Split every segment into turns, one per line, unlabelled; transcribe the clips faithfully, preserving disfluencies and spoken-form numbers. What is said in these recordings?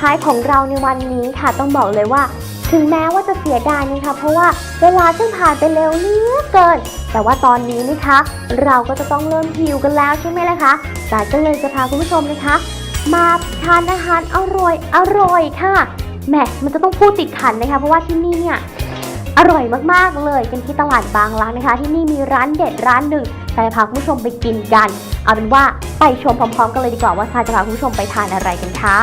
ท้ายของเราในวันนี้ค่ะต้องบอกเลยว่าถึงแม้ว่าจะเสียดายนะคะเพราะว่าเวลาซึ่งผ่านไปเร็วเหลือเกินแต่ว่าตอนนี้นะคะเราก็จะต้องเริ่มหิวกันแล้วใช่ไหมล่ะคะแต่ก็เลยจะพาคุณผู้ชมนะคะมาทานอาหารอร่อยอร่อยค่ะแหมมันจะต้องพูดติดขันนะคะเพราะว่าที่นี่เนี่ยอร่อยมากๆเลยกันที่ตลาดบางรักนะคะที่นี่มีร้านเด็ดร้านหนึ่งแต่พาคุณผู้ชมไปกินกันเอาเป็นว่าไปชมพร้อมๆกันเลยดีกว่าว่าซาจะพาคุณผู้ชมไปทานอะไรกันค่ะ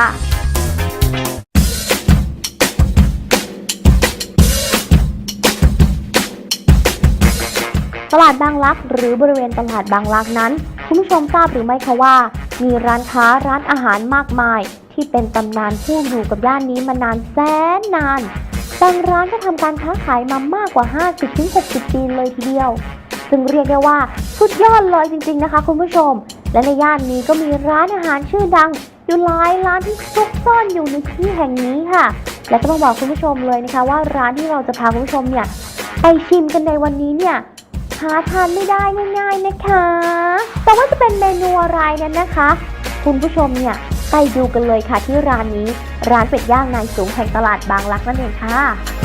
ตลาดบางรักหรือบริเวณตลาดบางรักนั้นคุณผู้ชมทราบหรือไม่คะว่ามีร้านค้าร้านอาหารมากมายที่เป็นตำนานผู้อยู่กับย่านนี้มานานแสนนานบางร้านก็ทำการค้าขายมามากกว่า ห้าสิบถึงหกสิบ ปีเลยทีเดียวซึ่งเรียกได้ว่าสุดยอดเลยจริงๆนะคะคุณผู้ชมและในย่านนี้ก็มีร้านอาหารชื่อดังอยู่หลายร้านที่ซุกซ่อนอยู่ในที่แห่งนี้ค่ะและก็ต้องบอกคุณผู้ชมเลยนะคะว่าร้านที่เราจะพาคุณผู้ชมเนี่ยไปชิมกันในวันนี้เนี่ยหาทานไม่ได้ง่ายๆนะคะแต่ว่าจะเป็นเมนูอะไรนั้นนะคะคุณผู้ชมเนี่ยไปดูกันเลยค่ะที่ร้านนี้ร้านเป็ดย่างนายสูงแห่งตลาดบางรักนั่นเองค่ะ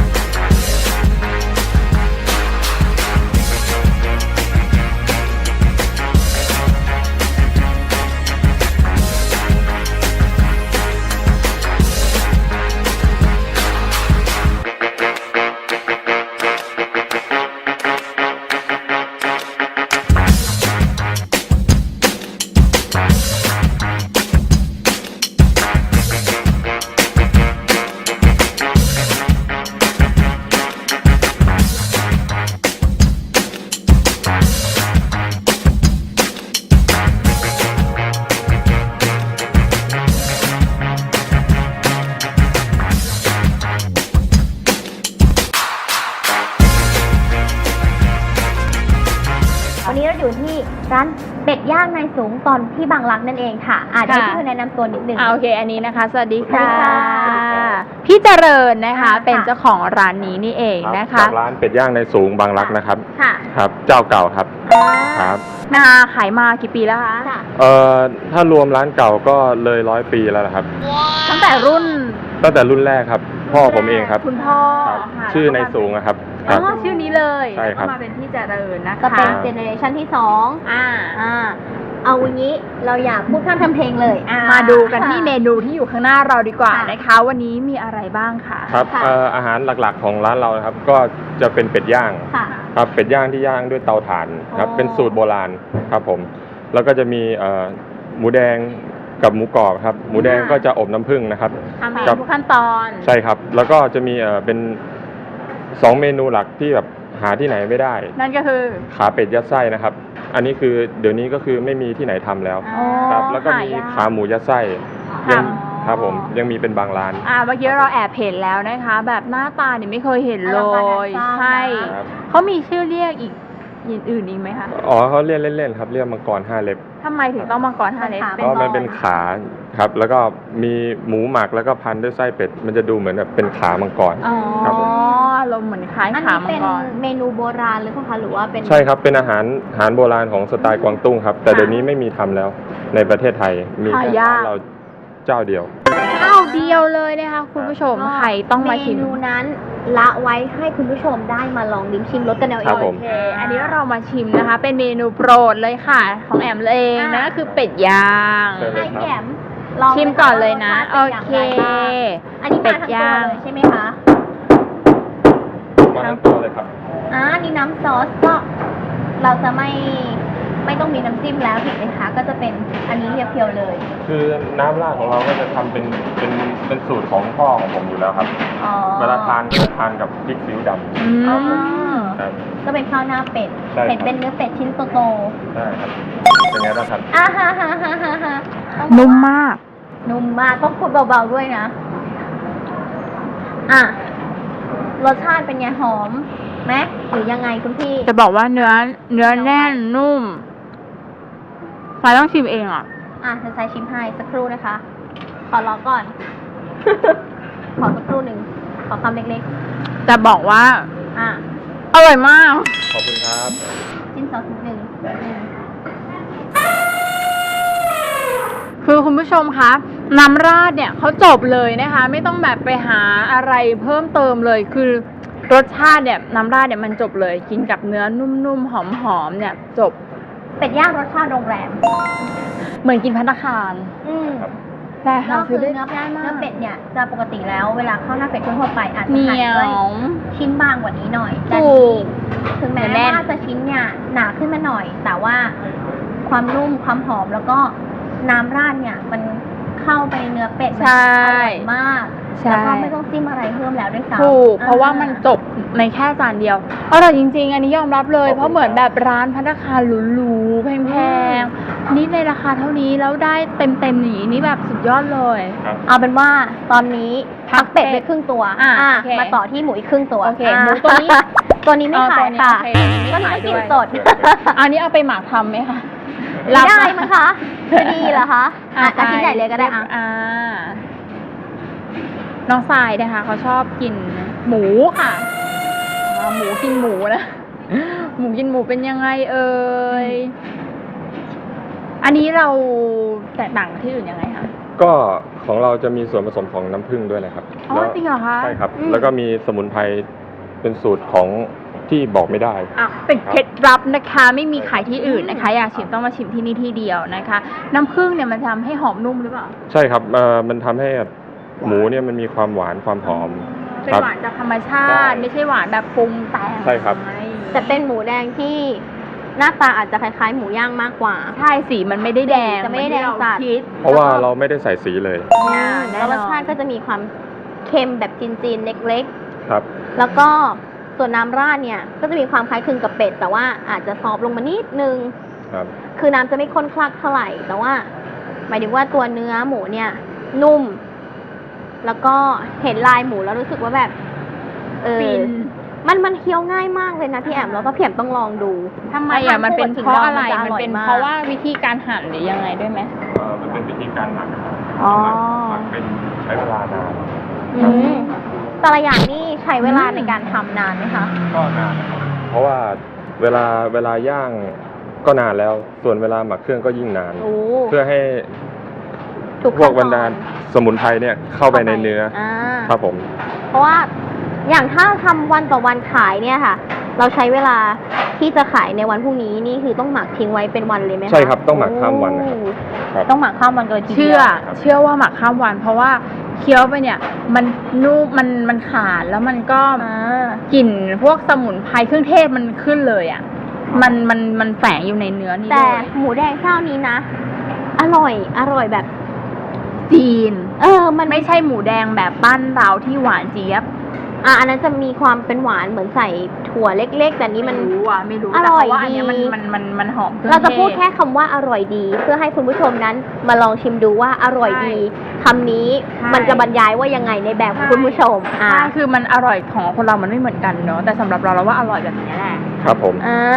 วันนี้เราอยู่ที่ร้านเป็ดย่างนายสูงตอนที่บางรักนั่นเองค่ะอาจจะให้พี่แนะนำตัวนิดนึง
โอเคอันนี้นะคะสวัสดีค่ะ
พี่
เจริญนะคะเป็นเจ้าของร้านนี้นี่เองนะคะ
ร้านเป็ดย่างนายสูงบางรักนะครับ
ค่ะ
ครับเจ้าเก่าครับครับ
นาขายมากี่ปีแล้วคะ
เอ่อถ้ารวมร้านเก่าก็เลยร้อยปีแล้วนะครับ
ตั้งแต่รุ่น
ตั้งแต่รุ่นแรกครับพ่อผมเองครับ
คุณพ่อ
ชื่อนายสูงครับ
อ๋อชื่อนี้เลย
ใช่ครับ
ก็มาเป็นพี่เจริญนะคะ
ก็เป็นเจเนอเรชันที่สองอ่าอ่าเอาวันนี้เราอยากพูดข้ามทำเพลงเลย
มาดูกันที่เมนูที่อยู่ข้างหน้าเราดีกว่านะคะวันนี้มีอะไรบ้างคะ
ครับอาหารหลักๆของร้านเราครับก็จะเป็นเป็ดย่างครับเป็ดย่างที่ย่างด้วยเตาถ่านครับเป็นสูตรโบราณครับผมแล้วก็จะมีหมูแดงกับหมูกรอบครับหมูแดงก็จะอบน้ำผึ้งนะครับ
ทำเองทุกขั้นตอน
ใช่ครับแล้วก็จะมีเป็นสองเมนูหลักที่แบบหาที่ไหนไม่ได้
นั่นก็คือ
ขาเป็ดยัดไส้นะครับอันนี้คือเดี๋ยวนี้ก็คือไม่มีที่ไหนทำแล้วครับแล้วก็มีขาหมูยัดไส้ยังครับผมยังมีเป็นบางร้าน
อ่าเมื่อกี้เราแอบเห็นแล้วนะคะแบบหน้าตาเนี่ยไม่เคยเห็นเลยใช่เขามีชื่อเรียกอีกอื่นอีกไหมคะ
อ๋อเขาเรียกเล่นๆครับเรียกมังกรห้าเล็บ
ทำไมถึงต้องมังกรห้าเล็บ
เพราะมันเป็นขาครับแล้วก็มีหมูหมักแล้วก็พันด้วยไส้เป็ดมันจะดูเหมือนแบบเป็นขามังกร
ครับผมอ๋อลมเหมือนคล้ายขามังกร
เมนูโบราณหรือเปล่าคะหรือว่าเป็น
ใช่ครับเป็นอาหารอาหารโบราณของสไตล์กวางตุ้งครับแต่เดี๋ยวนี้ไม่มีทำแล้วในประเทศไทยมีแค่ร้านเราเจ้าเดียว
เจ้าเดียวเลยนะคะคุณผู้ชมใครต้องมาชิม
เมนูนั้นละไว้ให้คุณผู้ชมได้มาลองลิ้มชิมรสกันเอาเอง
โอเคอันนี้เรามาชิมนะคะเป็นเมนูโปรดเลยค่ะของแอมเองนะคือเป็ดย่าง
ให้แอม
ชิมก่อนเลยนะโอเค
อันนี้เป็ดย่างใช่ไหมคะ
มาทั้งตัวเลยครับ
อ่านี่น้ำซอสก็เราจะไม่ไม่ต้องมีน้ำจิ้มแล้วถูกไหมคะก็จะเป็นอันนี้เพียวๆเลย
คือน้ำราดของเราก็จะทำเป็นเป็นเป็นสูตรของพ่อของผมอยู่แล้วครับเวลาทานก็จะทานกับพริกซีอิ๊วด
ำก็เป็นข้าวหน้าเป็ดเป็ดเป็นเนื้อเป็ดชิ้นโต
ๆใช่ครับเป็นไงบ้างครับ
อ่าฮ่าฮ่าฮ่าฮ่าฮ่า
นุ่มมาก
นุ่มมากต้องพูดเบาๆด้วยนะอ่ะรสชาติเป็นไงหอมไหมหรือยังไงคุณพี่
จะบอกว่าเนื้อเนื้อแน่นนุ่มฟ้าต้องชิมเองอ่ะ
อ่ะจะใช้ชิมให้สักครู่นะคะขอรอก่อน ขอสักครู่หนึ่งขอคำเล็ก
ๆจะบอกว่า
อ่ะ
อร่อยมาก
ขอบคุณครับ
ชิ้นสองชิ้นหนึ่งคือ
คุณผู้ชมคะน้ำราดเนี่ยเขาจบเลยนะคะ ไม่ต้องแบบไปหาอะไรเพิ่มเติมเลยคือรสชาติเนี่ยน้ำราดเนี่ยมันจบเลยกินกับเนื้อนุ่มๆหอมๆเนี่ยจบ
เป็ดย่างรสชาติโรงแรม
เหมือนกินภัตตาคาร
อืม
แต่
แล้
หาว
คื
ซื้
อ
อได้
เนื้อ
ง่ายมาก
เนื้อเป็ดเนี่ยจะปกติแล้วเวลาข้าวหน้าเป็ดทั่วๆไปอาจจะ
เหนี
หั่น
ย
ด้วย
ว
ชิ้นบางกว่านี้หน่อยแต่
ถู
นี่
ก
ถึงแม้
แน่น
ว่าจะชิ้นเนี่ยหนาขึ้นมาหน่อย แต่ว่าความนุ่มความหอมแล้วก็น้ำราดเนี่ยมันเข้าไปในเนื้อเป็ดมัน
ใช่
อร่อยมาก
ใช่
แล้วก็ไม่ต้องจิ้มอะไรเพิ่มแล้วด้วยซ้ำ
ถูกเพราะว่ามัน
อ่
จบในแค่จานเดียวอร่อยจริงๆ อันนี้ยอมรับเลย
ขอบคุณ
เพราะเหมือนแบบร้านภัตตาคารหรูๆแพงๆนี่ในราคาเท่านี้แล้วได้เต็มๆอย่างนี้นี่แบบสุดยอดเลย
ครับ
เอาเป็นว่าตอนนี้พักเป็ดไปครึ่งตัว
อ่ะ
อ่ะ
โอเค
มาต่อที่หมูอีกครึ่งตัว
โอเค
ะ
หมูตัวนี้
ตัวนี้ไม่
เอา
ขา
ตัวย นี้
ค่ะ
โอเคไม่
ตัวนี้
ขาย
ไม่กิน
ด้วย
สด
อันนี้เอาไปหมักทำไหมคะ
ไม่ได้มั้งคะจะดีเหรอคะอ่ะ
ไป
อาชิ้นใหญ่เลยก็ได้อ่ะ
อ่าน้องทรายนะคะเขาชอบกินหมูค่ะอ่าหมูกินหมูนะหมูกินหมูเป็นยังไงเอ่ยอันนี้เราแตกต่างกับที่อื่นยังไงคะ
ก็ของเราจะมีส่วนผสมของน้ำผึ้งด้วยนะครับ
อ๋อ
แล้ว
จริงเหรอคะ
ใช่ครับ
อืม
แล้วก็มีสมุนไพรเป็นสูตรของที่บอกไม่ได้
อ่ะเป็นเคล็ดลับนะคะ ไม่มีขายที่อื่นนะคะ อยากชิมต้องมาชิมที่นี่ที่เดียวนะคะ น้ำผึ้งเนี่ยมันทำให้หอมนุ่มหรือเปล่า
ใช่ครับเอ่อมันทำให้หมูเนี่ยมันมีความหวานความหอม
เป็น
ครับ
หวานจากธรรมชาติ
ใช่
ไม่ใช่หวานแบบปรุงแต่ง
ใช่ครับ
แต่เป็นหมูแดงที่หน้าตาอาจจะคล้ายๆ หมูย่างมากกว่า
ใช่สีมันไม่ได้แดง
จะไม่ได้แดง
เหอนที่
จัด
เราคิด
เพราะว่าเราไม่ได้ใส่สีเลย
อ่าแน่นอน
แล้วรสชาติก็จะมีความเค็มแบบจีนๆเล็ก
ครับ
ๆ แล้วก็ส่วนน้ำราดเนี่ยก็จะมีความคล้ายคลึงกับเป็ด แต่ว่าอาจจะซอฟต์ลงมานิดนึง
ครับ
คือน้ำจะไม่ข้นคลักเท่าไหร่ แต่ว่า หมายถึงว่าตัวเนื้อหมูเนี่ย นุ่ม แล้วก็เห็นลายหมูแล้วรู้สึกว่าแบบ เออ
ฟิน
มันมันเคี้ยวง่ายมากเลยนะพี่แอมแล้วก็พี่แอมต้องลองดู
ทำไมอ่ะมันเป็นเพราะอะไร
แล้วทาน
มัน
คู่กับ
เป็น
ขิงดองมันจะอร่อยมาก
เพราะว่าวิธีการหั่นหรือยังไงด้วยไหม
เอ่อมันเป็นวิธีการหมัก
อ๋อ
หมักเป็นใช้เวลานาน
อืมแต่ละอย่างนี่ใช้เวลาในการทำนานไหมคะ
ก็นานนะครับเพราะว่าเวลาเวลาย่างก็นานแล้ว ส่วนเวลาหมักเครื่องก็ยิ่งนาน
โอ้
เพื่อให้
ทุก
พวกบร
ขั้
ร
นต
ดา
อน
สมุนไพรเนี่ยเข้าไปในเนื้อ
อ่า
ครับผม
เพราะว่าอย่างถ้าทำวันต่อวันขายเนี่ยค่ะ เราใช้เวลาที่จะขายในวันพรุ่งนี้นี่คือต้องหมักทิ้งไว้เป็นวันเลยไหมคะ
ใช่ครับต้องหมักข้ามวันนะครับ
โอ้
ครับ
ต้องหมักข้ามวันกันเลยทีเดียว
เชื่อ เชื่อว่าหมักข้ามวัน เพราะว่าเคี้ยวไปเนี่ย มันนุ่มมันมันขาดแล้วมันก็
อ่า
กลิ่นพวกสมุนไพรเครื่องเทศมันขึ้นเลยอ่ะ มันมันมันแฝงอยู่ในเนื้อนี่
แต่
ด้วย
หมูแดงเจ้านี้นะ อร่อย อร่อยแบบ
จีน
เออ มัน
ไม่ใช่หมูแดงแบบบ้านเราที่หวานเจี๊ยบ
อ่ะอันนั้นจะมีความเป็นหวานเหมือนใส่ถั่วเล็กๆ แต่นี้มัน
ไรู้อ่ะไม่รู้
อ
แต่
ร่อย
เพราะว่าอันเนี้ยมัน
ดี
มันมันมันหอมเครื่อง
เราจะพูด
ทศ
แค่คำว่าอร่อยดี เพื่อให้คุณผู้ชมนั้นมาลองชิมดูว่าอร่อยดีคำนี้
ใช่
มันจะบรรยายว่ายังไงในแบบของคุณผู้ชม อ่า
ใช่คือมันอร่อยของคนเรามันไม่เหมือนกันเนาะแต่สำหรับเราเราว่าอร่อยแบบนี้แหละ
ครับผม
อ่า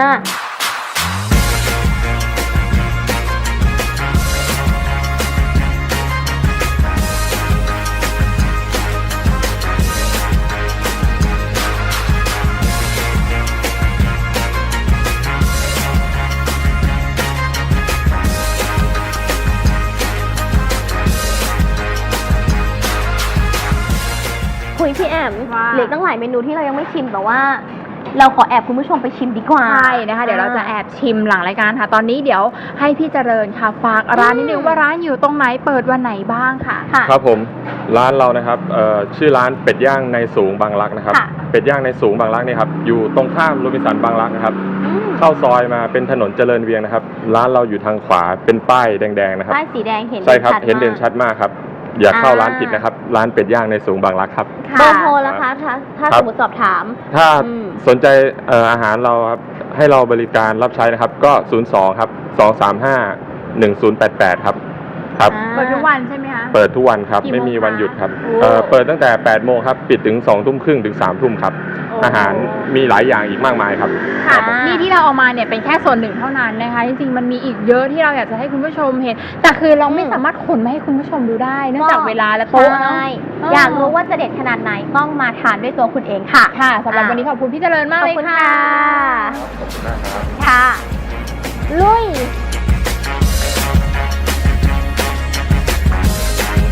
คุยพี่แอม
ว่า
เหลือตั้งหลายเมนูที่เรายังไม่ชิมแต่ว่า เราขอแอบคุณผู้ชมไปชิมดีกว่า
ใช่นะคะเดี๋ยวเราจะแอบชิมหลังรายการค่ะ ตอนนี้เดี๋ยวให้พี่เจริญค่ะฝากร้านนิดนึงว่าร้านอยู่ตรงไหนเปิดวันไหนบ้างค่ะ
ค่ะ
ครับผมร้านเรานะครับเอ่อชื่อร้านเป็ดย่างในสูงบางรักนะครับ
ค่ะ
เป็ดย่างในสูงบางรักเนี่ยครับอยู่ตรงข้ามโรบินสันบางรักนะครับ
อืม
เข้าซอยมาเป็นถนนเจริญเวียงนะครับ ร้านเราอยู่ทางขวาเป็นป้ายแดงๆนะครับ
ป้ายสีแดงเห็น
ใช่ครับ
ชัด
เห็นเด่น
มาก
ชัดมากครับ อย่าเข้า
อ่า
ร้านผิดนะครับ ร้านเป็ดย่างในสูงบางรักครับ
เบอร์โทรแล้วคะถ้าถ้า
ครั
ส
บ
มมติสอบถาม
ถ้า
อืม
สนใจเอ่ออาหารเราครับให้เราบริการรับใช้นะครับ ก็ ศูนย์ สอง ครับ สอง สาม ห้า หนึ่ง ศูนย์ แปด แปด ครับครับ
อ่า
เปิดทุกวันใช่ไหมคะ
เปิดทุกวันครับ
กี่โมง
ไม่มีวันหยุดครับ
โอ้
เอ่อเปิดตั้งแต่แปดโมงครับปิดถึงสองทุ่มครึ่งถึงสามทุ่มครับ
โอ้
อาหารมีหลายอย่างอีกมากมายครับ
ค่ะ
รับผม
นี่ที่เราเอามาเนี่ยเป็นแค่ส่วนหนึ่งเท่านั้นนะคะ จริงๆมันมีอีกเยอะที่เราอยากจะให้คุณผู้ชมเห็น แต่คือเราไม่สามารถขนมาให้คุณผู้ชมดูได้ เนื่องจากเวลาและโต๊ะเนาะ
ใช่
เออ
อยากรู้ว่าจะเด็ดขนาดไหนต้องมาทานด้วยตัวคุณเองค่ะ
ค่ะสำหรับ
อ่ะ
วันนี้ขอบคุณพี่เจริญมาก
ขอบ
เลย
คุณ
ค่ะ
ค่ะ
ขอบคุณมากครับ
ค่ะ ลุย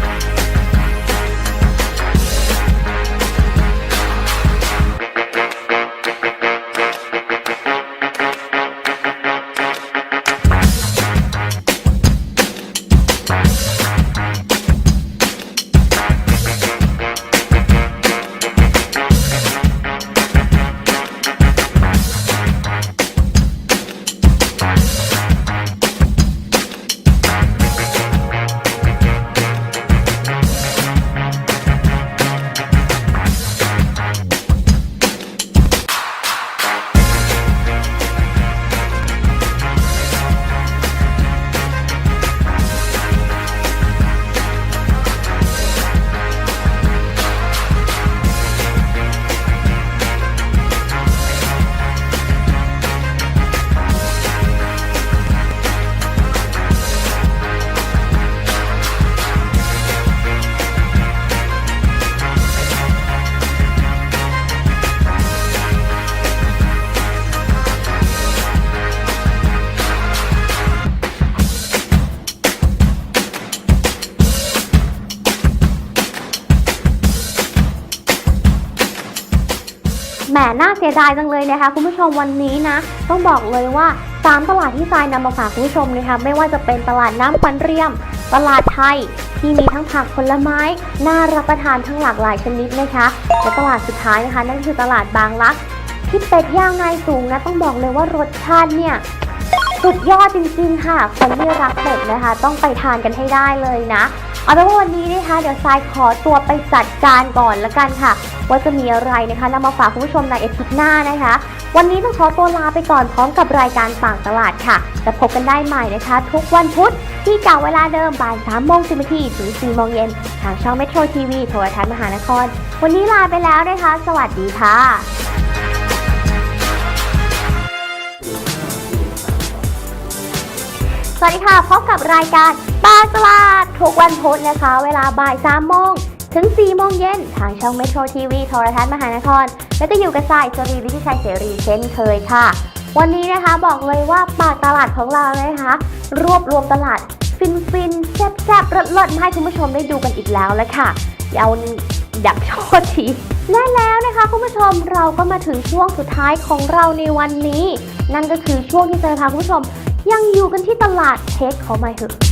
แหมน่าเสียดายจังเลยนะคะคุณผู้ชมวันนี้นะต้องบอกเลยว่าสามตลาดที่ทรายนำมาฝากคุณผู้ชมนะคะไม่ว่าจะเป็นตลาดน้ำปันเรียมตลาดไทยที่มีทั้งผักผลไม้น่ารับประทานทั้งหลากหลายชนิดนะคะและตลาดสุดท้ายนะคะนั่นคือตลาดบางรักที่เป็ดย่างนายสูงนะต้องบอกเลยว่ารสชาติเนี่ยสุดยอดจริงๆค่ะคนที่รักเป็ดนะคะต้องไปทานกันให้ได้เลยนะเอาเป็นว่าวันนี้นะคะเดี๋ยวทรายขอตัวไปจัดการก่อนละกันค่ะว่าจะมีอะไรนะคะนำมาฝากคุณผู้ชมในอาทิตย์หน้านะคะวันนี้ต้องขอตัวลาไปก่อนพร้อมกับรายการต่างตลาดค่ะจะพบกันได้ใหม่นะคะทุกวันพุธที่เก่าเวลาเดิมบ่ายสามโมงสิบนาทีถึงสี่โมงเย็นทางช่องเมโทรทีวีโทรทัศน์มหานครวันนี้ลาไปแล้วนะคะสวัสดีค่ะสวัสดีค่ะพบกับรายการต่างตลาดทุกวันพุธนะคะเวลาบ่ายสามโมงถึงสี่โมงเย็นทางช่องเมโทรทีวีโทรทัศน์มหานครและก็อยู่กับสายสรีวิทิชัยเสรีเช่นเคยค่ะวันนี้นะคะบอกเลยว่าปากตลาดของเรานะคะรวบรวมตลาดฟินฟินแซ่บแซ่บรสรสมาให้คุณผู้ชมได้ดูกันอีกแล้วแล้วค่ะเอาดักโชดทีและแล้วนะคะคุณผู้ชมเราก็มาถึงช่วงสุดท้ายของเราในวันนี้นั่นก็คือช่วงที่จะพาคุณผู้ชมยังอยู่กันที่ตลาดเทคเขาไม่เหอะ